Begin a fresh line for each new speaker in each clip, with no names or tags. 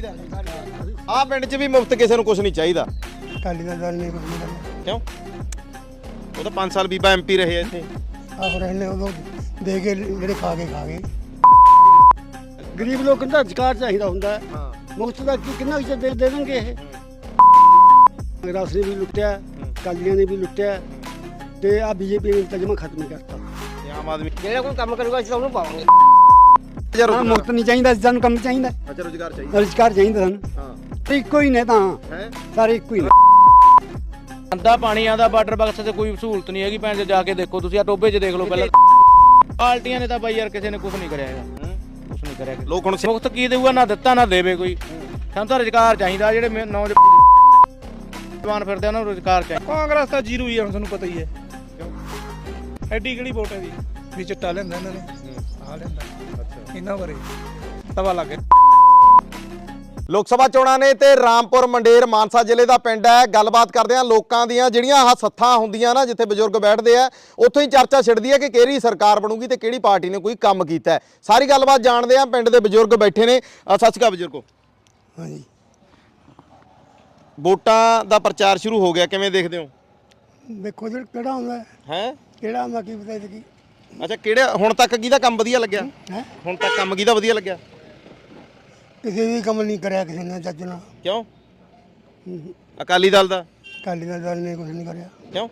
ਚਾਹੀਦਾ ਆਹ ਪਿੰਡ 'ਚ ਵੀ ਮੁਫਤ ਕਿਸੇ ਨੂੰ ਕੁਝ ਨਹੀਂ ਚਾਹੀਦਾ
ਅਕਾਲੀ ਦਲ ਨੇ ਕੁਝ ਨਹੀਂ ਕਰਿਆ
ਕਿਉਂ ਉਹ ਤਾਂ 5 ਸਾਲ ਬੀਬਾ ਐਮਪੀ ਰਹੇ ਇੱਥੇ
ਆਹੋ ਰਹਿਣੇ ਉਦੋਂ ਦੇ ਕੇ ਜਿਹੜੇ ਖਾ ਗਏ ਗਰੀਬ ਲੋਕਾਂ ਦਾ ਅਧਿਕਾਰ ਚਾਹੀਦਾ ਹੁੰਦਾ
ਹਾਂ
ਮੁਫਤ ਦਾ ਕਿੰਨਾ ਕੁ ਦੇ ਦੇਣਗੇ ਇਹ ਕਾਂਗਰਸ ਨੇ ਵੀ ਲੁੱਟਿਆ ਅਕਾਲੀਆਂ ਨੇ ਵੀ ਲੁੱਟਿਆ ਤੇ ਆ ਬੀਜੇਪੀ ਨੇ ਤਜਮਾ ਖਤਮ ਕਰਤਾ
ਤੇ ਆਮ ਆਦਮੀ
ਜਿਹੜਾ ਕੋਈ ਕੰਮ ਕਰੂਗਾ ਅਸੀਂ ਉਹਨੂੰ ਪਾਵਾਂਗੇ
ਰੁਜ਼ਗਾਰ
ਮੁਫਤ ਨਹੀਂ ਚਾਹੀਦਾ ਸਾਨੂੰ ਕੰਮ ਚਾਹੀਦਾ
ਅੱਛਾ ਰੁਜ਼ਗਾਰ ਚਾਹੀਦਾ
ਰੁਜ਼ਗਾਰ ਚਾਹੀਦਾ ਸਾਨੂੰ
ਹਾਂ
ਇੱਕੋ ਹੀ ਨੇ ਤਾਂ
ਹੈ
ਸਾਰੇ ਇੱਕੋ ਹੀ ਨੇ
ਆਂਦਾ ਪਾਣੀ ਆਂਦਾ ਵਾਟਰ ਬਾਕਸ ਤੇ ਕੋਈ ਸਹੂਲਤ ਨਹੀਂ ਹੈਗੀ ਭੈਣ ਚ ਜਾ ਕੇ ਦੇਖੋ ਤੁਸੀਂ ਆ ਟੋਬੇ 'ਚ ਦੇਖ ਲਓ ਪਹਿਲਾਂ ਪਾਰਟੀਆਂ ਨੇ ਤਾਂ ਬਾਈ ਯਾਰ ਕਿਸੇ ਨੇ ਕੁਝ ਨਹੀਂ ਕਰਿਆ ਹੈਗਾ ਕੁਝ ਨਹੀਂ ਕਰਿਆ
ਲੋਕ ਹੁਣ
ਮੁਫਤ ਕੀ ਦੇਊਗਾ ਨਾ ਦਿੱਤਾ ਨਾ ਦੇਵੇ ਕੋਈ ਸਾਨੂੰ ਤਾਂ ਰੁਜ਼ਗਾਰ ਚਾਹੀਦਾ ਜਿਹੜੇ ਨੌਜਵਾਨ ਫਿਰਦੇ ਉਹਨਾਂ ਨੂੰ ਰੁਜ਼ਗਾਰ ਚਾਹੀਦਾ
ਕਾਂਗਰਸ ਤਾਂ ਜ਼ੀਰੋ ਹੀ ਆ ਹੁਣ ਤੁਹਾਨੂੰ ਪਤਾ ਹੀ ਹੈ ਐਡੀ ਕਿਹੜੀ ਵੋਟ ਹੈ ਦੀ ਵੀ ਚਿੱਟਾ ਲੈਂਦਾ ਇਹਨਾਂ ਨੇ ਆ ਲੈਂਦਾ ਅੱਛਾ ਇਹਨਾਂ ਬਾਰੇ ਤਵਾ ਲੱਗ ਗਿਆ
ਲੋਕ ਸਭਾ ਚੋਣਾਂ ਨੇ ਤੇ ਰਾਮਪੁਰ ਮੰਡੇਰ ਮਾਨਸਾ ਜ਼ਿਲ੍ਹੇ ਦਾ ਪਿੰਡ ਹੈ ਗੱਲਬਾਤ ਕਰਦੇ ਆ ਲੋਕਾਂ ਦੀਆਂ ਜਿਹੜੀਆਂ ਆਹ ਸੱਥਾਂ ਹੁੰਦੀਆਂ ਨਾ ਜਿੱਥੇ ਬਜ਼ੁਰਗ ਬੈਠਦੇ ਆ ਉੱਥੋਂ ਹੀ ਚਰਚਾ ਛਿੜਦੀ ਹੈ ਕਿ ਕਿਹੜੀ ਸਰਕਾਰ ਬਣੂਗੀ ਤੇ ਕਿਹੜੀ ਪਾਰਟੀ ਨੇ ਕੋਈ ਕੰਮ ਕੀਤਾ ਹੈ ਸਾਰੀ ਗੱਲਬਾਤ ਜਾਣਦੇ ਆ ਪਿੰਡ ਦੇ ਬਜ਼ੁਰਗ ਬੈਠੇ ਨੇ ਸਤਿ ਸ਼੍ਰੀ ਅਕਾਲ ਬਜ਼ੁਰਗੋ
ਹਾਂਜੀ
ਵੋਟਾਂ ਦਾ ਪ੍ਰਚਾਰ ਸ਼ੁਰੂ ਹੋ ਗਿਆ ਕਿਵੇਂ ਦੇਖਦੇ ਹੋ
ਦੇਖੋ ਜਿਹੜਾ ਕਿਹੜਾ ਹੁੰਦਾ
ਹੈ
ਕਿਹੜਾ ਹੁੰਦਾ ਕੀ ਪਤਾ ਕੀ
ਅੱਛਾ ਕਿਹੜਾ ਹੁਣ ਤੱਕ ਕਿਹਦਾ ਕੰਮ ਵਧੀਆ ਲੱਗਿਆ
ਹੈ
ਹੁਣ ਤੱਕ ਕੰਮ ਕਿਹਦਾ ਵਧੀਆ ਲੱਗਿਆ
ਕਿਸੇ ਵੀ ਕੰਮ ਨਹੀਂ ਕਰਿਆ ਕਿਸੇ ਨੇ ਚੱਜ ਨਾਲ
ਕਿਉਂ ਅਕਾਲੀ ਦਲ ਦਾ
ਅਕਾਲੀ ਦਲ ਨੇ ਕੁਝ ਨਹੀਂ ਕਰਿਆ
ਕਿਉਂ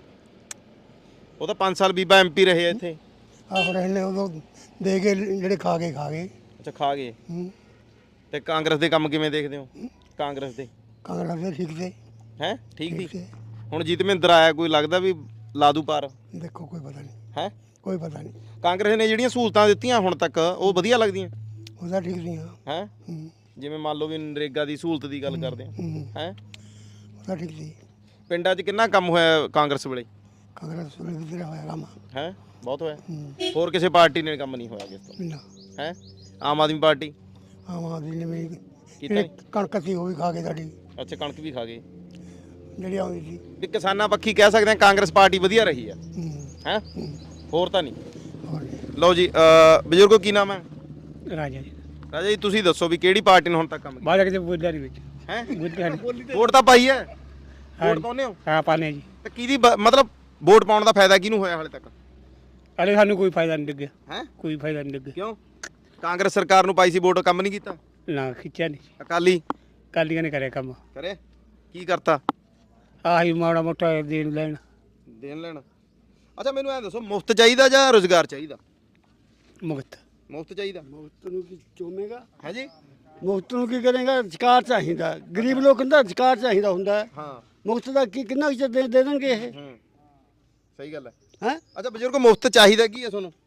ਉਹ ਤਾਂ 5 ਸਾਲ ਬੀਬਾ ਐਮਪੀ ਰਹੇ ਆ ਇੱਥੇ
ਆਹੋ ਰਹਿਣੇ ਉਦੋਂ ਦੇ ਕੇ ਜਿਹੜੇ ਖਾ ਗਏ
ਅੱਛਾ ਖਾ ਗਏ ਤੇ ਕਾਂਗਰਸ ਦੇ ਕੰਮ ਕਿਵੇਂ ਦੇਖਦੇ ਹੋ ਕਾਂਗਰਸ ਦੇ
ਕਾਂਗਰਸ ਦੇ ਠੀਕ ਤੇ
ਹੈ ਠੀਕ
ਠੀਕ
ਸੀ
ਤੇ
ਹੁਣ ਜੀਤ ਮਹਿੰਦਰ ਆਇਆ ਕੋਈ ਲੱਗਦਾ ਵੀ ਲਾਦੂ ਪਾਰ
ਦੇਖੋ ਕੋਈ ਪਤਾ ਨਹੀਂ
ਹੈ
ਕੋਈ ਪਤਾ ਨਹੀਂ
ਕਾਂਗਰਸ ਨੇ ਜਿਹੜੀਆਂ ਸਹੂਲਤਾਂ ਦਿੱਤੀਆਂ ਹੁਣ ਤੱਕ ਉਹ ਵਧੀਆ ਲੱਗਦੀਆਂ
ਉਹਦਾ ਠੀਕ ਨਹੀਂ
ਹੈ ਜਿਵੇਂ ਮੰਨ ਲਓ ਵੀ ਨਰੇਗਾ ਦੀ ਸਹੂਲਤ ਦੀ ਗੱਲ ਕਰਦੇ ਆ ਹੈ
ਉਹਦਾ ਠੀਕ ਸੀ
ਪਿੰਡਾਂ 'ਚ ਕਿੰਨਾ ਕੰਮ ਹੋਇਆ ਕਾਂਗਰਸ ਵੇਲੇ
ਕਾਂਗਰਸ ਵੇਲੇ ਵੀ ਤੇਰਾ ਹੋਇਆ ਕੰਮ
ਹੈ ਬਹੁਤ ਹੋਇਆ ਹੋਰ ਕਿਸੇ ਪਾਰਟੀ ਨੇ ਕੰਮ ਨਹੀਂ ਹੋਇਆ ਕਿਸ ਤੋਂ
ਨਾ
ਹੈ ਆਮ ਆਦਮੀ ਪਾਰਟੀ
ਆਮ ਆਦਮੀ ਨੇ ਵੀ
ਕੀਤਾ
ਜਿਹੜੀ ਕਣਕ ਸੀ ਉਹ ਵੀ ਖਾ ਕੇ ਸਾਡੀ
ਅੱਛਾ ਕਣਕ ਵੀ ਖਾ ਗਏ
ਜਿਹੜੀ ਆਉਂਦੀ ਸੀ
ਵੀ ਕਿਸਾਨਾਂ ਪੱਖੀ ਕਹਿ ਸਕਦੇ ਆ ਕਾਂਗਰਸ ਪਾਰਟੀ ਵਧੀਆ ਰਹੀ ਆ ਹੈ ਹੋਰ ਤਾਂ ਨਹੀਂ
ਹੋਰ
ਲਓ ਜੀ ਬਜ਼ੁਰਗੋ ਕੀ ਨਾਮ ਹੈ
ਰਾਜਾ ਜੀ
ਰਾਜਾ ਜੀ ਤੁਸੀਂ ਦੱਸੋ ਵੀ ਕਿਹੜੀ ਪਾਰਟੀ ਨੇ ਹੁਣ ਤੱਕ ਕੰਮ ਕੀਤਾ
ਬਾਜਾ ਕਿਤੇ ਬੋਲਿਆ ਨਹੀਂ ਵਿੱਚ
ਹੈ
ਬੋਲਿਆ
ਵੋਟ ਤਾਂ ਪਾਈ ਹੈ ਵੋਟ ਪਾਉਂਦੇ ਹੋ
ਹਾਂ ਪਾਣੇ ਜੀ
ਤੇ ਕਿਹਦੀ ਮਤਲਬ ਵੋਟ ਪਾਉਣ ਦਾ ਫਾਇਦਾ ਕਿਹਨੂੰ ਹੋਇਆ ਹਾਲੇ ਤੱਕ
ਅਰੇ ਸਾਨੂੰ ਕੋਈ ਫਾਇਦਾ ਨਹੀਂ ਲੱਗਿਆ
ਹੈ
ਕੋਈ ਫਾਇਦਾ ਨਹੀਂ ਲੱਗਿਆ
ਕਿਉਂ ਕਾਂਗਰਸ ਸਰਕਾਰ ਨੂੰ ਪਾਈ ਸੀ ਵੋਟ ਕੰਮ ਨਹੀਂ ਕੀਤਾ
ਨਾ ਖਿੱਚਿਆ ਨਹੀਂ
ਅਕਾਲੀ
ਕਾਲੀਆਂ ਨੇ ਕਰਿਆ ਕੰਮ
ਕਰੇ ਕੀ ਕਰਤਾ
ਆਹੀ ਮਾੜਾ ਮੋਟਾ ਦੇਣ ਲੈਣ
ਦੇਣ ਲੈਣ ਅੱਛਾ ਮੈਨੂੰ ਐਂ ਦੱਸੋ ਮੁਫਤ ਚਾਹੀਦਾ ਜਾਂ ਰੁਜ਼ਗਾਰ ਚਾਹੀਦਾ
ਮੁਕਤ
ਮੁਫਤ ਚਾਹੀਦਾ
ਮੁਫਤ ਨੂੰ ਕੀ ਚੋਮੇਗਾ
ਹੈ ਜੀ
ਮੁਫਤ ਨੂੰ ਕੀ ਕਰੇਗਾ ਅਧਿਕਾਰ ਚਾਹੀਦਾ ਗਰੀਬ ਲੋਕਾਂ ਦਾ ਅਧਿਕਾਰ ਚਾਹੀਦਾ ਹੁੰਦਾ
ਹਾਂ
ਮੁਫਤ ਦਾ ਕਿੰਨਾ ਕੁ ਦੇ ਦੇਣਗੇ ਇਹ
ਸਹੀ ਗੱਲ ਹੈ
ਹੈ
ਅੱਛਾ ਬਜ਼ੁਰਗ ਮੁਫਤ ਚਾਹੀਦਾ ਕੀ ਹੈ ਤੁਹਾਨੂੰ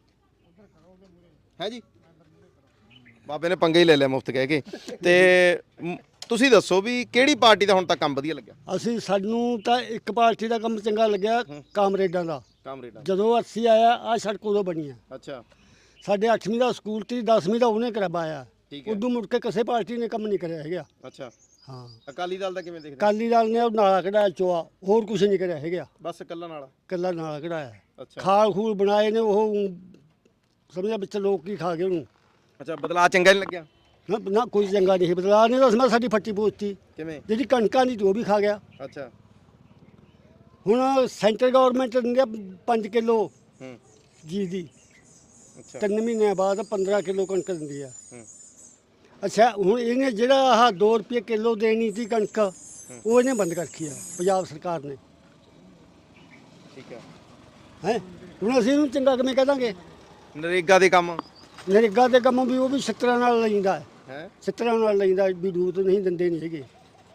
ਹੈ ਜੀ ਬਾਬੇ ਨੇ ਪੰਗੇ ਹੀ ਲੈ ਲਿਆ ਮੁਫਤ ਕਹਿ ਕੇ ਤੇ ਤੁਸੀਂ ਦੱਸੋ ਵੀ ਕਿਹੜੀ ਪਾਰਟੀ ਦਾ ਹੁਣ ਤੱਕ ਕੰਮ ਵਧੀਆ ਲੱਗਿਆ
ਅਸੀਂ ਸਾਨੂੰ ਤਾਂ ਇੱਕ ਪਾਰਟੀ ਦਾ ਕੰਮ ਚੰਗਾ ਲੱਗਿਆ ਕਾਮਰੇਡਾਂ ਦਾ
ਕਾਮਰੇਡਾਂ
ਜਦੋਂ ਅਸੀਂ ਆਇਆ ਆ ਸੜਕ ਉਦੋਂ ਬਣੀ ਆ
ਅੱਛਾ
ਸਾਡੇ 8ਵੀਂ ਦਾ ਸਕੂਲ ਤੇ 10ਵੀਂ ਦਾ ਉਹਨੇ ਕਰਵਾਇਆ
ਠੀਕ ਹੈ
ਉਦੋਂ ਮੁੜ ਕੇ ਕਿਸੇ ਪਾਰਟੀ ਨੇ ਕੰਮ ਨਹੀਂ ਕਰਿਆ ਹੈਗਾ
ਅੱਛਾ
ਹਾਂ
ਅਕਾਲੀ ਦਲ ਦਾ ਕਿਵੇਂ ਦੇਖਦੇ
ਅਕਾਲੀ ਦਲ ਨੇ ਉਹ ਨਾਲਾ ਕਢਾਇਆ ਚੋਆ ਹੋਰ ਕੁਝ ਨਹੀਂ ਕਰਿਆ ਹੈਗਾ
ਬਸ ਕੱਲਾ ਨਾਲ
ਕੱਲਾ ਨਾਲਾ ਕਢਾਇਆ
ਅੱਛਾ
ਖਾਲ ਖੂਲ ਬਣਾਏ ਨੇ ਉਹ ਸਮਝਿਆ ਵਿੱਚ ਲੋਕ ਕੀ ਖਾ ਗਏ ਉਹਨੂੰ
ਅੱਛਾ ਬਦਲਾਅ ਚੰਗਾ ਨਹੀਂ ਲੱਗਿਆ
ਨਾ ਕੋਈ ਚੰਗਾ ਨਹੀਂ ਬਦਲਾ ਨਹੀਂ ਤਾਂ ਸਾਡੀ ਫੱਟੀ ਪੋਚਤੀ
ਕਿਵੇਂ
ਜਿਹੜੀ ਕਣਕਾਂ ਦੀ ਉਹ ਵੀ ਖਾ ਗਿਆ
ਅੱਛਾ
ਹੁਣ ਸੈਂਟਰ ਗਵਰਨਮੈਂਟ ਦਿੰਦੀ ਆ 5 ਕਿਲੋ ਜੀ ਦੀ
ਅੱਛਾ
3 ਮਹੀਨਿਆਂ ਬਾਅਦ 15 ਕਿਲੋ ਕਣਕ ਦਿੰਦੀ ਆ
ਹੂੰ।
ਅੱਛਾ ਹੁਣ ਇਹਨੇ ਜਿਹੜਾ ਆਹ 2 ਰੁਪਏ ਕਿਲੋ ਦੇਣੀ ਸੀ ਕਣਕ ਉਹ ਇਹਨੇ ਬੰਦ ਕਰ ਰੱਖੀ ਆ ਪੰਜਾਬ ਸਰਕਾਰ ਨੇ
ਠੀਕ ਹੈ
ਹੈ ਹੁਣ ਅਸੀਂ ਇਹਨੂੰ ਚੰਗਾ ਕਿਵੇਂ ਕਹਿ ਦਾਂਗੇ
ਨਰੇਗਾ ਦੇ ਕੰਮ
ਨਰੇਗਾ ਦੇ ਕੰਮ ਵੀ ਉਹ ਵੀ ਛਿੱਤਰਾਂ ਨਾਲ ਲੈਂਦਾ
ਹੈ
ਛਿੱਤਰਾਂ ਨਾਲ ਲੈਂਦਾ ਵੀ ਦੂਤ ਨਹੀਂ ਦਿੰਦੇ ਨਹੀਂ ਹੈਗੇ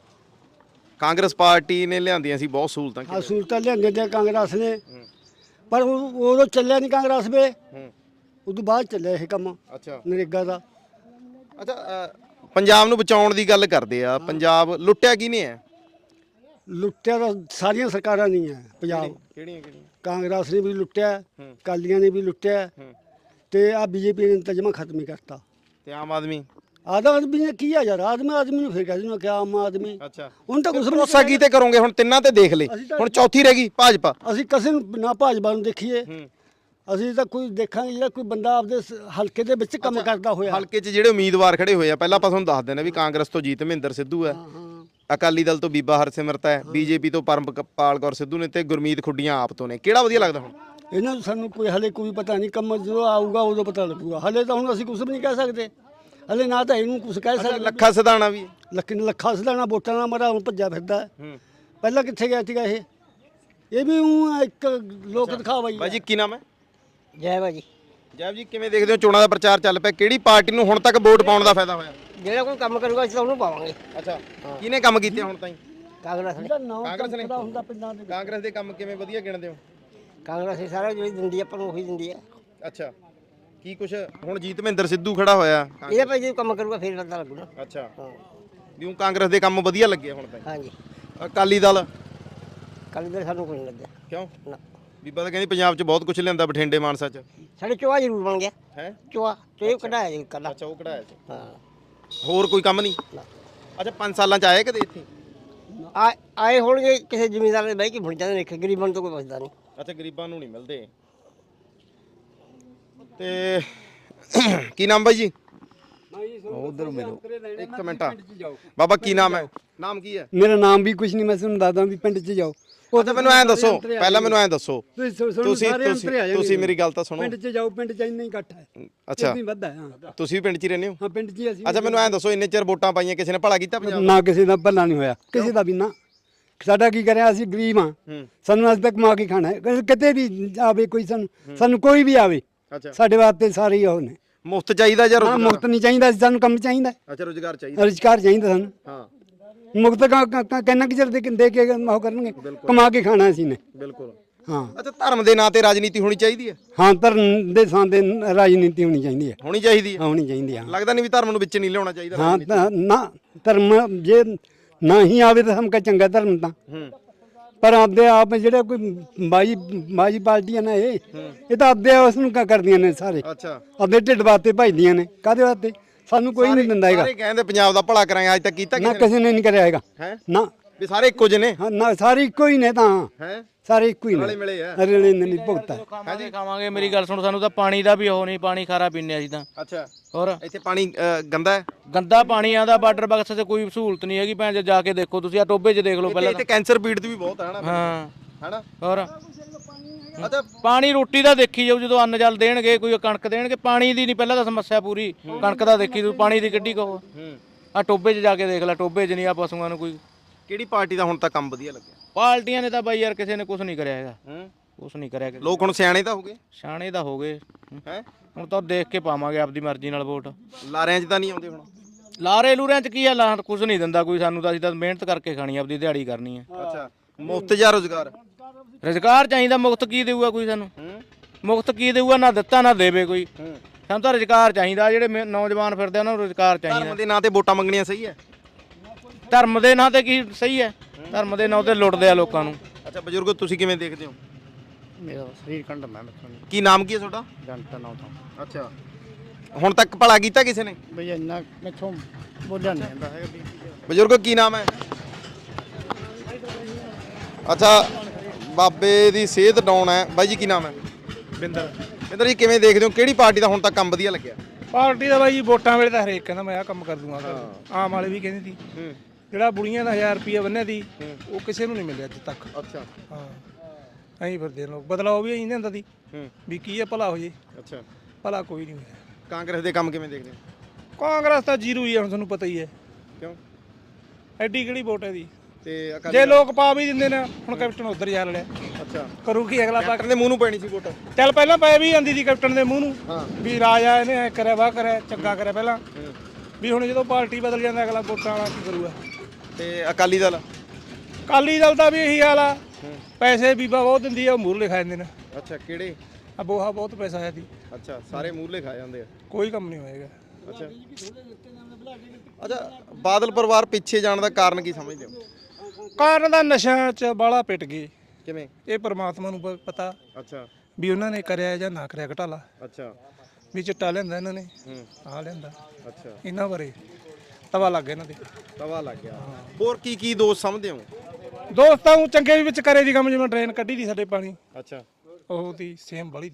ਕਾਂਗਰਸ ਪਾਰਟੀ ਨੇ ਲਿਆਂਦੀਆਂ ਸੀ ਬਹੁਤ ਸਹੂਲਤਾਂ
ਆ ਸਹੂਲਤਾਂ ਲਿਆਂਦੇ ਤੇ ਕਾਂਗਰਸ ਨੇ ਪਰ ਉਦੋਂ ਚੱਲਿਆ ਨਹੀਂ ਕਾਂਗਰਸ ਵੇ ਉਦੋਂ ਬਾਅਦ ਚੱਲਿਆ ਇਹ ਕੰਮ
ਅੱਛਾ
ਨਰੇਗਾ ਦਾ
ਅੱਛਾ ਪੰਜਾਬ ਨੂੰ ਬਚਾਉਣ ਦੀ ਗੱਲ ਕਰਦੇ ਆ ਪੰਜਾਬ ਲੁੱਟਿਆ ਕਿਹਨੇ ਹੈ
ਲੁੱਟਿਆ ਤਾਂ ਸਾਰੀਆਂ ਸਰਕਾਰਾਂ ਨਹੀਂ ਹੈ ਪੰਜਾਬ
ਕਿਹੜੀਆਂ
ਕਾਂਗਰਸ ਨੇ ਵੀ ਲੁੱਟਿਆ ਅਕਾਲੀਆਂ ਨੇ ਵੀ ਲੁੱਟਿਆ ਤੇ ਆ ਬੀਜੇਪੀ ਨੇ ਤਜਮਾ ਖਤਮ ਹੀ ਕਰਤਾ
ਤੇ ਆਮ ਆਦਮੀ
ਆਦਮੀ ਨੇ ਕੀ ਆ ਯਾਰ ਆਦਮੀ ਨੂੰ ਫਿਰ ਕਹਿ ਦਿੰਦਾ ਕਿ ਆਮ ਆਦਮੀ
ਅੱਛਾ
ਹੁਣ ਤਾਂ ਕੁਛ
ਭਰੋਸਾ ਕੀ ਤੇ ਕਰੋਗੇ ਹੁਣ ਤਿੰਨਾਂ ਤੇ ਦੇਖ ਲਏ ਹੁਣ ਚੌਥੀ ਰਹਿ ਗਈ ਭਾਜਪਾ
ਅਸੀਂ ਕਿਸੇ ਨੂੰ ਨਾ ਭਾਜਪਾ ਨੂੰ ਦੇਖੀਏ ਅਸੀਂ ਤਾਂ ਕੋਈ ਦੇਖਾਂਗੇ ਜਿਹੜਾ ਕੋਈ ਬੰਦਾ ਆਪਦੇ ਹਲਕੇ ਦੇ ਵਿੱਚ ਕੰਮ ਕਰਦਾ ਹੋਇਆ।
ਹਲਕੇ 'ਚ ਜਿਹੜੇ ਉਮੀਦਵਾਰ ਖੜੇ ਹੋਏ ਆ ਪਹਿਲਾਂ ਆਪਾਂ ਤੁਹਾਨੂੰ ਦੱਸ ਦਿੰਦੇ ਵੀ ਕਾਂਗਰਸ ਤੋਂ ਜੀਤ ਮਹਿੰਦਰ ਸਿੱਧੂ ਹੈ, ਅਕਾਲੀ ਦਲ ਤੋਂ ਬੀਬਾ ਹਰਸਿਮਰਤ ਹੈ, ਬੀਜੇਪੀ ਤੋਂ ਪਰਮਪਾਲ ਕੌਰ ਸਿੱਧੂ ਨੇ ਤੇ ਗੁਰਮੀਤ ਖੁੱਡੀਆਂ ਆਪ ਤੋਂ ਨੇ। ਕਿਹੜਾ ਵਧੀਆ ਲੱਗਦਾ ਹੁਣ?
ਇਹਨਾਂ ਨੂੰ ਸਾਨੂੰ ਕੋਈ ਹਲੇ ਕੋਈ ਪਤਾ ਨਹੀਂ, ਕੰਮ ਜਦੋਂ ਆਊਗਾ ਉਦੋਂ ਪਤਾ ਲੱਗੂਗਾ। ਹਲੇ ਤਾਂ ਹੁਣ ਅਸੀਂ ਕੁਝ ਵੀ ਨਹੀਂ ਕਹਿ ਸਕਦੇ, ਹਲੇ ਨਾ ਤਾਂ ਇਹਨੂੰ ਕੁਝ ਕਹਿ ਸਕਦੇ।
ਲੱਖਾ ਸਿਧਾਣਾ ਵੀ
ਲੱਖਾ ਸਿਧਾਣਾ ਵੋਟਾਂ ਨਾਲ ਮਰਾ ਹੁਣ ਭੱਜਾ ਫਿਰਦਾ। ਪਹਿਲਾਂ ਕਿੱਥੇ ਗਿਆ ਸੀਗਾ ਇਹ ਵੀ ਊਂ ਇੱਕ ਲੋਕ ਦਿਖਾਵਾ ਹੀ।
ਬਾਈ ਜੀ ਕੀ ਨਾਮ ਹੈ?
ਜੈ ਬਾਜੀ।
ਜੈਬ ਜੀ ਕਿਵੇਂ ਦੇਖਦੇ ਹੋ ਚੋਣਾਂ ਦਾ ਪ੍ਰਚਾਰ ਚੱਲ ਪਿਆ, ਕਿਹੜੀ ਪਾਰਟੀ ਨੂੰ ਹੁਣ ਤੱਕ ਵੋਟ ਪਾਉਣ ਦਾ ਫਾਇਦਾ ਹੋਇਆ?
ਜਿਹੜਾ ਕੋਈ ਕੰਮ ਕਰੂਗਾ ਅਸੀਂ ਤਾਂ ਉਹਨੂੰ ਪਾਵਾਂਗੇ।
ਅੱਛਾ, ਕਿਹਨੇ ਕੰਮ ਕੀਤੇ ਹੁਣ ਤਾਈਂ?
ਕਾਂਗਰਸ ਨੇ।
ਕਾਂਗਰਸ ਨੇ?
ਹੁੰਦਾ ਪਿੰਡਾਂ ਦੇ
ਕਾਂਗਰਸ ਦੇ ਕੰਮ ਕਿਵੇਂ ਵਧੀਆ ਗਿਣਦੇ ਹੋ?
ਕਾਂਗਰਸ ਹੀ ਸਾਰਾ ਜਿਹੜੀ ਦਿੰਦੀ ਆਪਾਂ ਨੂੰ ਉਹੀ ਦਿੰਦੀ ਹੈ।
ਅੱਛਾ, ਕੀ ਕੁਛ ਹੁਣ ਜੀਤ ਮਹਿੰਦਰ ਸਿੱਧੂ ਖੜਾ ਹੋਇਆ?
ਇਹਦੇ ਭਾਈ ਜੇ ਕੰਮ ਕਰੂਗਾ ਫਿਰ ਪਤਾ ਲੱਗੂਗਾ।
ਅੱਛਾ, ਵੀ ਉਹ ਕਾਂਗਰਸ ਦੇ ਕੰਮ ਵਧੀਆ ਲੱਗੇ ਹੁਣ ਤਾਈਂ?
ਹਾਂਜੀ।
ਅਕਾਲੀ ਦਲ
ਕੱਲ ਦੇ ਸਾਨੂੰ ਕੋਈ ਨਹੀਂ ਲੱਗਿਆ।
ਕਿਉਂ?
ਨਾ
ਬੀਬਾ ਤਾਂ ਕਹਿੰਦੀ ਪੰਜਾਬ 'ਚ ਬਹੁਤ ਕੁਝ ਲਿਆਂਦਾ ਬਠਿੰਡੇ ਮਾਨਸਾ 'ਚ
ਸਾਡੇ ਚੋਆ ਜ਼ਰੂਰ ਬਣ ਗਿਆ।
ਹੈ?
ਚੋਆ ਤੇ ਕਢਾਇਆ ਜੀ ਕੱਲਾ।
ਅੱਛਾ, ਉਹ ਕਢਾਇਆ ਸੀ।
ਹਾਂ।
ਹੋਰ ਕੋਈ ਕੰਮ ਨਹੀਂ? ਅੱਛਾ, 5 ਸਾਲਾਂ 'ਚ ਆਏ ਕਦੇ ਇੱਥੇ?
ਆਏ ਹੋਣਗੇ ਕਿਸੇ ਜ਼ਿਮੀਂਦਾਰ ਦੇ ਬਹਿ ਕੇ ਭੁੱਲ ਜਾਂਦੇ ਨੇ, ਗਰੀਬਾਂ ਨੂੰ ਤਾਂ ਕੋਈ ਪੁੱਛਦਾ ਨਹੀਂ।
ਅੱਛਾ, ਗਰੀਬਾਂ ਨੂੰ ਨਹੀਂ ਮਿਲਦੇ। ਤੇ ਕੀ ਨਾਮ ਬਾਈ ਜੀ?
ਉਧਰ ਮਿਲੋ
ਇੱਕ ਮਿੰਟ ਬਾਬਾ, ਕੀ ਨਾਮ ਹੈ? ਨਾਮ ਕੀ ਹੈ?
ਮੇਰਾ ਨਾਮ ਵੀ ਕੁਝ ਨਹੀਂ, ਮੈਂ ਤੁਹਾਨੂੰ ਦੱਸਦਾ ਵੀ ਪਿੰਡ 'ਚ ਜਾਓ।
ਉਹ ਤਾਂ ਮੈਨੂੰ ਐਂ ਦੱਸੋ, ਪਹਿਲਾਂ ਮੈਨੂੰ ਐਂ ਦੱਸੋ,
ਤੁਸੀਂ
ਤੁਸੀਂ ਮੇਰੀ ਗੱਲ ਤਾਂ ਸੁਣੋ।
ਪਿੰਡ 'ਚ ਜਾਓ, ਪਿੰਡ 'ਚ ਇੰਨਾ ਹੀ ਇਕੱਠ ਹੈ।
ਅੱਛਾ,
ਨਹੀਂ ਵੱਧਾ। ਹਾਂ,
ਤੁਸੀਂ ਵੀ ਪਿੰਡ 'ਚ ਹੀ ਰਹਿੰਦੇ ਹੋ?
ਹਾਂ ਪਿੰਡ 'ਚ ਹੀ ਅਸੀਂ।
ਅੱਛਾ, ਮੈਨੂੰ ਐਂ ਦੱਸੋ, ਇੰਨੇ ਚਿਰ ਵੋਟਾਂ ਪਾਈਆਂ, ਕਿਸੇ ਨੇ ਭਲਾ ਕੀਤਾ ਪੰਜਾਬ?
ਨਾ ਕਿਸੇ ਦਾ ਭਲਾ ਨਹੀਂ ਹੋਇਆ, ਕਿਸੇ ਦਾ ਵੀ ਨਾ। ਸਾਡਾ ਕੀ ਕਰਿਆ, ਅਸੀਂ ਗਰੀਬ ਹਾਂ, ਸਾਨੂੰ ਅੱਜ ਤੱਕ ਕਮਾ ਕੇ ਖਾਣਾ ਹੈ। ਕਿਤੇ ਵੀ ਆਵੇ ਕੋਈ, ਸਾਨੂੰ ਕੋਈ ਵੀ ਆਵੇ,
ਅੱਛਾ,
ਸਾਡੇ ਵਾਸਤੇ ਸਾਰੇ ਹੀ ਉਹ ਨੇ।
ਮੁਫਤ ਚਾਹੀਦਾ ਜਾਂ
ਨਾ
ਰੋਜ਼ਗਾਰ?
ਮੁਫਤ ਨਹੀਂ ਚਾਹੀਦਾ, ਸਾਨੂੰ ਕੰਮ ਚਾਹੀਦਾ,
ਅੱਛਾ, ਰੋਜ਼ਗਾਰ ਚਾਹੀਦਾ।
ਰੁਜ਼ਗਾਰ ਚਾਹੀਦਾ ਸਾਨੂੰ।
ਹਾਂ,
ਮੁਫਤ ਕਿੰਨਾ ਕਿ ਚਿਰ ਦੇ ਕੇ ਉਹ ਕਰਨਗੇ, ਕਮਾ ਕੇ ਖਾਣਾ ਅਸੀਂ ਨੇ।
ਬਿਲਕੁਲ।
ਹਾਂ
ਅੱਛਾ, ਧਰਮ ਦੇ ਨਾਂ ਤੇ ਰਾਜਨੀਤੀ ਹੋਣੀ ਚਾਹੀਦੀ ਹੈ?
ਹਾਂ, ਧਰਮ ਦੇ ਥਾਂ ਤੇ ਰਾਜਨੀਤੀ ਹੋਣੀ ਚਾਹੀਦੀ ਹੈ।
ਹੋਣੀ ਚਾਹੀਦੀ ਹੈ?
ਹੋਣੀ ਚਾਹੀਦੀ ਹੈ।
ਲੱਗਦਾ ਨਹੀਂ ਵੀ ਧਰਮ ਨੂੰ ਵਿੱਚ ਨਹੀਂ ਲਿਆਉਣਾ ਚਾਹੀਦਾ?
ਹਾਂ ਨਾ, ਧਰਮ ਜੇ ਨਾ ਹੀ ਆਵੇ ਤਾਂ ਹਮ ਕਾ ਚੰਗਾ ਧਰਮ ਤਾਂ। ਪਰ ਆਪਦੇ ਆਪ ਜਿਹੜੇ ਕੋਈ ਬਾਜੀ ਪਾਰਟੀਆਂ ਨੇ ਇਹ ਤਾਂ ਆਪਦੇ ਉਸ ਨੂੰ ਕਰਦੀਆਂ ਨੇ ਸਾਰੇ।
ਅੱਛਾ,
ਆਪਦੇ ਢਿੱਡ ਵਾਸਤੇ ਭਜਦੀਆਂ ਨੇ। ਕਾਹਦੇ ਵਾਸਤੇ? ਸਾਨੂੰ ਕੋਈ ਨਹੀਂ ਦਿੰਦਾ ਹੈਗਾ।
ਸਾਰੇ ਕਹਿੰਦੇ ਪੰਜਾਬ ਦਾ ਭਲਾ ਕਰਾਂਗੇ, ਅੱਜ ਤੱਕ ਕੀਤਾ
ਨਾ
ਕਿਸੇ ਨੇ?
ਕਿਸੇ ਨੇ ਨਹੀਂ ਕਰਿਆ ਹੈਗਾ।
ਹੈ
ਨਾ,
ਵੀ ਸਾਰੇ ਇੱਕੋ ਜਿਹੇ ਨੇ?
ਹਾਂ ਨਾ, ਸਾਰੇ ਇੱਕੋ ਹੀ ਨੇ ਤਾਂ।
ਹੈ,
ਸਾਰੇ ਇੱਕੋ ਹੀ ਨੇ,
ਰਲੇ ਮਿਲੇ ਆ।
ਰਲੇ ਨਹੀਂ ਭੁਗਤਾ।
ਖਾਵਾਂਗੇ। ਮੇਰੀ ਗੱਲ ਸੁਣ, ਸਾਨੂੰ ਤਾਂ ਪਾਣੀ ਦਾ ਵੀ ਉਹ ਨਹੀਂ, ਪਾਣੀ ਖਾਰਾ ਪੀਂਦੇ ਅਸੀਂ ਤਾਂ।
ਅੱਛਾ,
ਹੋਰ
ਇੱਥੇ ਪਾਣੀ ਗੰਦਾ ਹੈ?
ਗੰਦਾ ਪਾਣੀ ਆਉਂਦਾ, ਵਾਟਰ ਬਾਕਸ ਤੇ ਕੋਈ ਸਹੂਲਤ ਨਹੀਂ ਹੈਗੀ। ਭੈਣ ਜਾ ਕੇ ਦੇਖੋ ਤੁਸੀਂ, ਆ ਟੋਬੇ 'ਚ ਦੇਖ ਲਓ ਪਹਿਲਾਂ।
ਇੱਥੇ ਕੈਂਸਰ ਪੀੜਤ ਵੀ ਬਹੁਤ ਹੈ ਨਾ?
ਹਾਂ,
ਹੈਨਾ?
ਹੋਰ
ਅੱਛਾ,
ਪਾਣੀ ਰੋਟੀ ਦਾ ਦੇਖੀ ਜਾਊ, ਜਦੋਂ ਅੰਨ ਜਲ ਦੇਣਗੇ, ਕੋਈ ਕਣਕ ਦੇਣਗੇ। ਪਾਣੀ ਦੀ ਨਹੀਂ ਪਹਿਲਾਂ ਤਾਂ ਸਮੱਸਿਆ ਪੂਰੀ, ਕਣਕ ਦਾ ਦੇਖੀ ਤੂੰ, ਪਾਣੀ ਦੀ ਕਿੱਡੀ ਕਹੋ। ਆ ਟੋਬੇ 'ਚ ਜਾ ਕੇ ਦੇਖ ਲੈ, ਟੋਬੇ 'ਚ ਨਹੀਂ ਆ ਪਸ਼ੂਆਂ ਨੂੰ ਕੋਈ।
ਕਿਹੜੀ ਪਾਰਟੀ ਦਾ ਹੁਣ ਤੱਕ ਕੰਮ ਵਧੀਆ ਲੱਗਿਆ?
ਪਾਰਟੀਆਂ ਨੇ ਤਾਂ ਬਾਈ ਯਾਰ ਕਿਸੇ ਨੇ ਕੁਝ ਨਹੀਂ ਕਰਿਆ ਹੈਗਾ, ਕੁਝ ਨਹੀਂ ਕਰਿਆ।
ਲੋਕ ਹੁਣ ਸਿਆਣੇ ਤਾਂ ਹੋ ਗਏ?
ਸਿਆਣੇ ਤਾਂ ਹੋ ਗਏ।
ਹੈ,
ਹੁਣ ਤਾਂ ਦੇਖ ਕੇ ਪਾਵਾਂਗੇ ਆਪਦੀ ਮਰਜ਼ੀ ਨਾਲ ਵੋਟ।
ਲਾਰਿਆਂ 'ਚ ਤਾਂ ਨਹੀਂ ਆਉਂਦੇ ਹੁਣ?
ਲਾਰੇ ਲੂਰਿਆਂ 'ਚ ਕੀ ਆ, ਲਾ ਕੁਝ ਨਹੀਂ ਦਿੰਦਾ ਕੋਈ ਸਾਨੂੰ ਤਾਂ। ਅਸੀਂ ਤਾਂ ਮਿਹਨਤ ਕਰਕੇ ਖਾਣੀ, ਆਪਦੀ ਦਿਹਾੜੀ ਕਰਨੀ ਹੈ।
ਅੱਛਾ, ਮੁਫਤ ਜਾਂ ਰੋਜ਼ਗਾਰ?
ਰੁਜ਼ਗਾਰ ਚਾਹੀਦਾ, ਮੁਫਤ ਕੀ ਦੇਊਗਾ ਕੋਈ ਸਾਨੂੰ? ਮੁਫਤ ਕੀ ਦੇਊਗਾ? ਨਾ ਦਿੱਤਾ ਨਾ ਦੇਵੇ ਕੋਈ। ਸਾਨੂੰ ਤਾਂ ਰੁਜ਼ਗਾਰ ਚਾਹੀਦਾ। ਜਿਹੜੇ ਨੌਜਵਾਨ ਫਿਰਦੇ ਉਹਨਾਂ ਨੂੰ ਰੁਜ਼ਗਾਰ ਚਾਹੀਦਾ।
ਧਰਮ ਦੇ ਨਾਂ ਤੇ ਵੋਟਾਂ ਮੰਗਣੀਆਂ ਸਹੀ ਹੈ?
ਧਰਮ ਦੇ ਨਾਂ ਤੇ ਕੀ ਸਹੀ ਹੈ? ਧਰਮ ਦੇ ਨਾਂ ਤੇ ਲੁੱਟਦੇ ਆ ਲੋਕਾਂ ਨੂੰ।
ਅੱਛਾ ਬਜ਼ੁਰਗੋ, ਤੁਸੀਂ ਕਿਵੇਂ ਦੇਖਦੇ ਹੋ?
ਮੇਰਾ ਸਰੀਰ ਕੰਡਮ ਹੈ।
ਕੀ ਨਾਮ ਕੀ ਹੈ ਤੁਹਾਡਾ?
ਜੰਟਾ ਨਾ ਤਾਂ
ਅੱਛਾ, ਹੁਣ ਤੱਕ ਭਲਾ ਕੀਤਾ ਕਿਸੇ ਨੇ?
ਬਈ ਇੰਨਾ ਮੈਥੋਂ ਬੋਲਿਆ ਨਹੀਂ ਜਾਂਦਾ ਹੈਗਾ ਵੀ।
ਬਜ਼ੁਰਗੋ ਕੀ ਨਾਮ ਹੈ? ਅੱਛਾ, ਬਾਬੇ ਦੀ ਸਿਹਤ ਡਾਊਨ ਹੈ। ਬਾਈ ਜੀ ਕੀ ਨਾਮ ਹੈ? ਬਿੰਦਰ ਜੀ ਕਿਵੇਂ ਦੇਖਦੇ ਹੋ, ਕਿਹੜੀ ਪਾਰਟੀ ਦਾ ਹੁਣ ਤੱਕ ਕੰਮ ਵਧੀਆ ਲੱਗਿਆ?
ਪਾਰਟੀ ਦਾ ਬਾਈ ਵੋਟਾਂ ਵੇਲੇ ਤਾਂ ਹਰੇਕ ਕਹਿੰਦਾ ਮੈਂ ਆਹ ਕੰਮ ਕਰ ਦੂੰਗਾ। ਆਮ ਵਾਲੇ ਵੀ ਕਹਿੰਦੇ ਸੀ। ਜਿਹੜਾ ਬੁੜੀਆਂ ਦਾ 1000 ਰੁਪਇਆ ਬੰਨਿਆ ਸੀ, ਉਹ ਕਿਸੇ ਨੂੰ ਨਹੀਂ ਮਿਲਿਆ ਅੱਜ ਤੱਕ।
ਅੱਛਾ,
ਹਾਂ, ਐਂ ਫਿਰਦੇ ਲੋਕ। ਬਦਲਾਅ ਵੀ ਐਂ ਹੁੰਦਾ ਸੀ ਵੀ ਕੀ ਹੈ ਭਲਾ ਹੋ ਜੇ।
ਅੱਛਾ,
ਭਲਾ ਕੋਈ ਨਹੀਂ ਹੋਇਆ।
ਕਾਂਗਰਸ ਦੇ ਕੰਮ ਕਿਵੇਂ ਦੇਖਦੇ ਹੋ?
ਕਾਂਗਰਸ ਤਾਂ ਜ਼ੀਰੋ ਹੀ ਹੈ, ਹੁਣ ਤੁਹਾਨੂੰ ਪਤਾ ਹੀ ਹੈ।
ਕਿਉਂ?
ਐਡੀ ਕਿਹੜੀ ਵੋਟ ਹੈ ਦੀ?
ਤੇ
ਜੇ ਲੋਕ ਪਾ ਵੀ ਦਿੰਦੇ ਨੇ, ਹੁਣ ਕੈਪਟਨ ਉਧਰ ਜਾ ਲੜਿਆ।
ਅੱਛਾ,
ਕਰੂ ਕੀ ਅਗਲਾ?
ਕੈਪਟਨ ਦੇ ਮੂੰਹ ਨੂੰ ਪੈਣੀ ਸੀ ਵੋਟ?
ਚੱਲ ਪਹਿਲਾਂ ਪੈ ਵੀ ਜਾਂਦੀ ਸੀ ਕੈਪਟਨ ਦੇ ਮੂੰਹ ਨੂੰ ਵੀ ਰਾਜਾ ਇਹਨੇ ਐ ਕਰਿਆ, ਵਾਹ ਕਰਿਆ, ਚੰਗਾ ਕਰਿਆ ਪਹਿਲਾਂ ਵੀ। ਹੁਣ ਜਦੋਂ ਪਾਰਟੀ ਬਦਲ ਜਾਂਦਾ, ਅਗਲਾ ਵੋਟਾਂ ਵਾਲਾ ਕੀ ਕਰੂਗਾ?
ਤੇ ਅਕਾਲੀ ਦਲ?
ਅਕਾਲੀ ਦਲ ਦਾ ਵੀ ਇਹੀ ਹਾਲ ਆ। ਪੈਸੇ ਬੀਬਾ ਬਹੁਤ ਦਿੰਦੀ ਆ, ਉਹ ਮੂਹਰਲੇ ਖਾ ਜਾਂਦੇ ਨੇ।
ਅੱਛਾ, ਕਿਹੜੇ?
ਆ ਬੋਹਾ ਬਹੁਤ ਪੈਸਾ ਆਇਆ ਸੀ।
ਅੱਛਾ, ਸਾਰੇ ਮੂਹਰਲੇ ਖਾ ਜਾਂਦੇ ਆ।
ਕੋਈ ਕੰਮ ਨਹੀਂ ਹੋਏਗਾ।
ਅੱਛਾ, ਅੱਛਾ, ਬਾਦਲ ਪਰਿਵਾਰ ਪਿੱਛੇ ਜਾਣ ਦਾ ਕਾਰਨ ਕੀ ਸਮਝਦੇ ਹੋ?
ਕਾਰਨ ਦਾ ਨਸ਼ਾ 'ਚ ਬਾਲਾ ਪਿੱਟ ਗਏ।
ਕਿਵੇਂ?
ਇਹ ਪਰਮਾਤਮਾ ਨੂੰ ਪਤਾ
ਅੱਛਾ,
ਵੀ ਉਹਨਾਂ ਨੇ ਕਰਿਆ ਜਾਂ ਨਾ ਕਰਿਆ ਘਟਾਲਾ।
ਅੱਛਾ,
ਵੀ ਚਿੱਟਾ ਲਿਆਂਦਾ ਇਹਨਾਂ ਨੇ, ਆਹ ਲਿਆਂਦਾ।
ਅੱਛਾ,
ਇਹਨਾਂ ਬਾਰੇ ਤਵਾ ਲੱਗ ਗਿਆ ਇਹਨਾਂ ਦੇ।
ਤਵਾ ਲੱਗ ਗਿਆ। ਹੋਰ ਕੀ ਕੀ ਦੋਸ਼ ਸਮਝਦੇ ਹੋ?
ਦੋਸਤਾਂ ਨੂੰ ਚੰਗੇ ਵੀ ਵਿੱਚ ਕਰੇ ਦੀ ਕੰਮ, ਜਿਵੇਂ ਟ੍ਰੇਨ ਕੱਢੀ ਦੀ ਸਾਡੇ ਪਾਣੀ,
ਅੱਛਾ,
ਉਹ ਦੀ ਸੇਮ ਵਾਲੀ ਦੀ।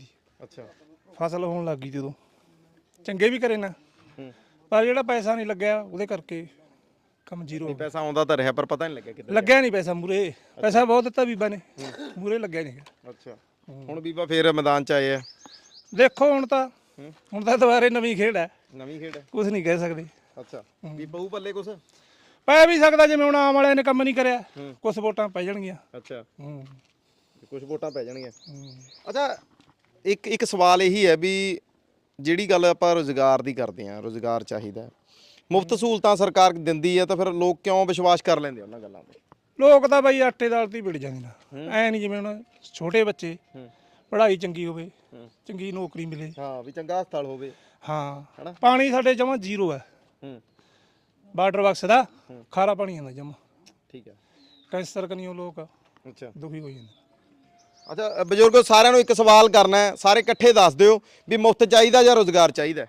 ਅੱਛਾ
ਫਸਲ ਹੋਣ ਲੱਗ ਗਈ ਜਦੋਂ ਚੰਗੇ ਵੀ ਕਰੇ ਨਾ ਪਰ ਜਿਹੜਾ ਪੈਸਾ ਨਹੀਂ ਲੱਗਿਆ ਉਹਦੇ ਕਰਕੇ ਕੰਮ ਜ਼ੀਰੋ
ਨਹੀਂ ਪੈਸਾ ਆਉਂਦਾ ਤਾਂ ਰਿਹਾ ਪਰ ਪਤਾ ਨਹੀਂ ਲੱਗਿਆ ਕਿੱਧਰ
ਲੱਗਿਆ ਨਹੀਂ ਪੈਸਾ ਮੂਰੇ ਪੈਸਾ ਬਹੁਤ ਦਿੱਤਾ ਬੀਬਾ ਨੇ ਮੂਰੇ ਲੱਗਿਆ ਨਹੀਂ
ਅੱਛਾ ਹੁਣ ਬੀਬਾ ਫੇਰ ਮੈਦਾਨ 'ਚ ਆਏ ਆ
ਦੇਖੋ ਹੁਣ ਤਾਂ ਦੁਬਾਰੇ ਨਵੀਂ ਖੇਡ ਹੈ
ਨਵੀਂ ਖੇਡ
ਕੁਝ ਨਹੀਂ ਕਹਿ ਸਕਦੇ
ਅੱਛਾ ਵੀ ਪਊ ਪੱਲੇ ਕੁਛ
ਪੈ ਵੀ ਸਕਦਾ ਜਿਵੇਂ ਹੁਣ ਆਮ ਵਾਲਿਆਂ ਨੇ ਕੰਮ ਨਹੀਂ ਕਰਿਆ ਕੁਝ ਵੋਟਾਂ ਪੈ ਜਾਣਗੀਆਂ
ਅੱਛਾ ਕੁਝ ਵੋਟਾਂ ਪੈ ਜਾਣਗੀਆਂ ਅੱਛਾ ਇੱਕ ਸਵਾਲ ਇਹੀ ਹੈ ਵੀ ਜਿਹੜੀ ਗੱਲ ਆਪਾਂ ਰੋਜ਼ਗਾਰ ਦੀ ਕਰਦੇ ਆ ਰੋਜ਼ਗਾਰ ਚਾਹੀਦਾ ਮੁਫਤ ਸਹੂਲਤਾਂ ਸਰਕਾਰ ਦਿੰਦੀ ਹੈ ਤਾਂ ਫਿਰ ਲੋਕ ਕਿਉਂ ਵਿਸ਼ਵਾਸ ਕਰ ਲੈਂਦੇ ਉਹਨਾਂ ਗੱਲਾਂ 'ਤੇ
ਲੋਕ ਤਾਂ ਬਾਈ ਆਟੇ ਦਾਲ ਤੇ ਹੀ ਵਿੜ ਜਾਂਦੇ ਨੇ ਐ ਨਹੀਂ ਜਿਵੇਂ ਹੁਣ ਛੋਟੇ ਬੱਚੇ ਪੜ੍ਹਾਈ ਚੰਗੀ ਹੋਵੇ ਚੰਗੀ ਨੌਕਰੀ ਮਿਲੇ
ਹਾਂ ਵੀ ਚੰਗਾ ਹਸਪਤਾਲ ਹੋਵੇ
ਹਾਂ ਪਾਣੀ ਸਾਡੇ ਜਮਾਂ ਜ਼ੀਰੋ ਹੈ ਵਾਟਰ ਬਾਕਸ ਦਾ ਖਾਰਾ ਪਾਣੀ ਆਉਂਦਾ ਜਮਾਂ
ਠੀਕ ਹੈ
ਕੈਂਸਰ ਕਨੀਓ ਲੋਕ
ਅੱਛਾ
ਦੁਖੀ ਹੋ ਜਾਂਦੇ
ਅੱਛਾ ਬਜ਼ੁਰਗੋ ਸਾਰਿਆਂ ਨੂੰ ਇੱਕ ਸਵਾਲ ਕਰਨਾ ਹੈ ਸਾਰੇ ਇਕੱਠੇ ਦੱਸ ਦਿਓ ਵੀ ਮੁਫਤ ਚਾਹੀਦਾ ਜਾਂ ਰੋਜ਼ਗਾਰ ਚਾਹੀਦਾ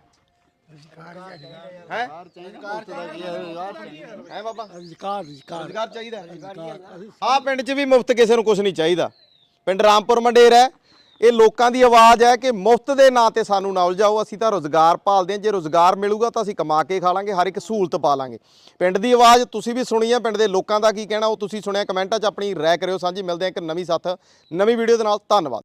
ਹੈ ਬਾਬਾ ਰੋਜ਼ਗਾਰ ਚਾਹੀਦਾ ਆਹ ਪਿੰਡ 'ਚ ਵੀ ਮੁਫਤ ਕਿਸੇ ਨੂੰ ਕੁਝ ਨਹੀਂ ਚਾਹੀਦਾ ਪਿੰਡ ਰਾਮਪੁਰ ਮੰਡੇਰ ਹੈ ਇਹ ਲੋਕਾਂ ਦੀ ਆਵਾਜ਼ ਹੈ ਕਿ ਮੁਫਤ ਦੇ ਨਾਂ ਤੇ ਸਾਨੂੰ ਨਾ ਉਲਝਾਓ ਅਸੀਂ ਤਾਂ ਰੋਜ਼ਗਾਰ ਭਾਲਦੇ ਹਾਂ ਜੇ ਰੋਜ਼ਗਾਰ ਮਿਲੂਗਾ ਤਾਂ ਅਸੀਂ ਕਮਾ ਕੇ ਖਾ ਲਾਂਗੇ ਹਰ ਇੱਕ ਸਹੂਲਤ ਪਾ ਲਾਂਗੇ ਪਿੰਡ ਦੀ ਆਵਾਜ਼ ਤੁਸੀਂ ਵੀ ਸੁਣੀ ਹੈ ਪਿੰਡ ਦੇ ਲੋਕਾਂ ਦਾ ਕੀ ਕਹਿਣਾ ਉਹ ਤੁਸੀਂ ਸੁਣਿਆ ਕਮੈਂਟਾਂ 'ਚ ਆਪਣੀ ਰਾਏ ਕਰਿਓ ਸਾਂਝੀ ਮਿਲਦੇ ਹਾਂ ਇੱਕ ਨਵੀਂ ਸਾਥ ਨਵੀਂ ਵੀਡੀਓ ਦੇ ਨਾਲ ਧੰਨਵਾਦ